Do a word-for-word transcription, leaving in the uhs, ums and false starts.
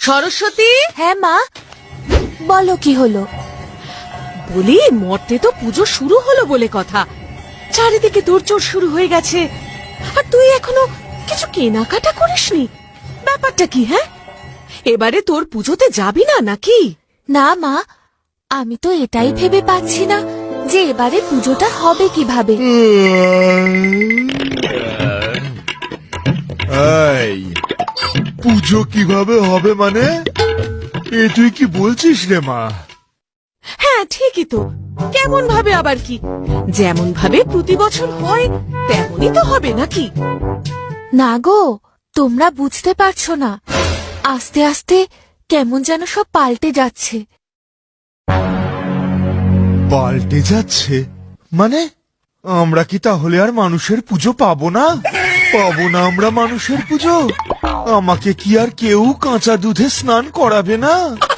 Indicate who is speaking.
Speaker 1: সরস্বতী,
Speaker 2: হ্যাঁ মা, বলো কি হলো?
Speaker 1: বলি মর্তে তো পুজো শুরু হলো বলে কথা, চারিদিকে দৌড়চড় শুরু হয়ে গেছে, আর তুই এখনো কিছু কেনাকাটা করিসনি। ব্যাপারটা কি? হ্যাঁ, এবারে তোর পুজোতে যাবি না নাকি?
Speaker 2: না মা, আমি তো এটাই ভেবে পাচ্ছি না যে এবারে পুজোটা হবে কিভাবে।
Speaker 3: এই পুজো কিভাবে হবে মানে? এ তুই কি বলছিস রে মা?
Speaker 1: হ্যাঁ ঠিকই তো, কেমন ভাবে আবার কি? যেমন ভাবে প্রতি বছর হয় তেমনই তো হবে নাকি?
Speaker 2: না গো, তোমরা বুঝতে পারছো না, আস্তে আস্তে কেমন যেন সব পাল্টে যাচ্ছে।
Speaker 3: পাল্টে যাচ্ছে মানে? আমরা কি তাহলে আর মানুষের পুজো পাবো না? পাবো না আমরা মানুষের পুজো? আমাকে কি আর কেউ কাঁচা দুধে স্নান করাবে না?